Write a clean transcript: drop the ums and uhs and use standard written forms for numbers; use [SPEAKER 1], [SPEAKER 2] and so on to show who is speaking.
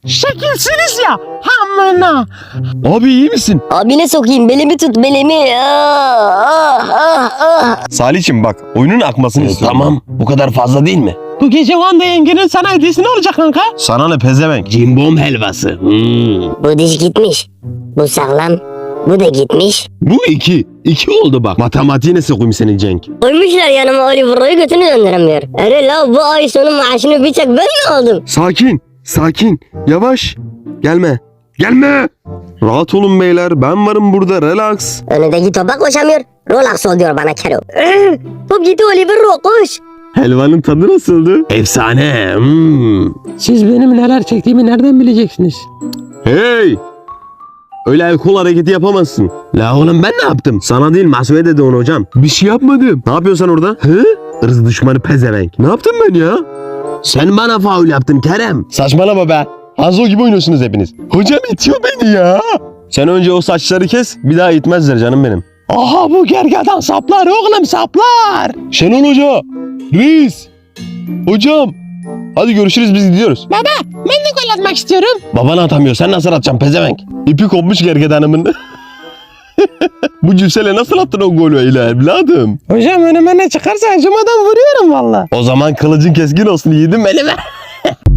[SPEAKER 1] Şekilsiniz ya. Hamına.
[SPEAKER 2] Abi iyi misin?
[SPEAKER 3] Abine sokayım, belimi tut, belimi.
[SPEAKER 2] Salih'cim bak oyunun akmasını istiyorum. Tamam bu kadar fazla değil mi?
[SPEAKER 1] Bu gece Wanda yengenin sana hediyesi ne olacak kanka?
[SPEAKER 2] Sana ne pezevenk? Cimbom helvası.
[SPEAKER 3] Bu diş gitmiş. Bu sağlam. Bu da gitmiş.
[SPEAKER 2] Bu 2. 2 oldu bak. Matematiğine sokayım senin Cenk.
[SPEAKER 3] Koymuşlar yanıma Oliver'ı götünü döndüremiyor. Ere la bu ay sonu maaşını bir tek ben mi aldım?
[SPEAKER 2] Sakin. Sakin. Yavaş. Gelme. Gelme. Rahat olun beyler. Ben varım burada. Relax.
[SPEAKER 3] Önündeki topa koşamıyor. Relax ol diyor bana Kero. Top gitti Oliver koş.
[SPEAKER 2] Helvanın tadı nasıldı? Efsane.
[SPEAKER 1] Siz benim neler çektiğimi nereden bileceksiniz?
[SPEAKER 2] Hey. Öyle el kol hareketi yapamazsın. La oğlum ben ne yaptım? Sana değil Masu'ya dedi onu hocam. Bir şey yapmadım. Ne yapıyorsun sen orada? Hı? Irz düşmanı pezevenk. Ne yaptım ben ya? Sen bana faul yaptın Kerem. Saçmalama be. Hanzo gibi oynuyorsunuz hepiniz. Hocam itiyor beni ya. Sen önce o saçları kes. Bir daha itmezler canım benim.
[SPEAKER 1] Aha bu gergedan saplar oğlum saplar.
[SPEAKER 2] Şenol Hoca. Reis. Hocam. Hadi görüşürüz biz gidiyoruz.
[SPEAKER 1] Baba ben de gol atmak istiyorum.
[SPEAKER 2] Baban atamıyor. Sen nasıl atacaksın pezevenk? İpi kopmuş gergedanımın. Bu cüssele nasıl attın o golü öyle evladım?
[SPEAKER 1] Hocam önüme ne çıkarsa acımadan vuruyorum valla.
[SPEAKER 2] O zaman kılıcın keskin olsun yiğidim elime.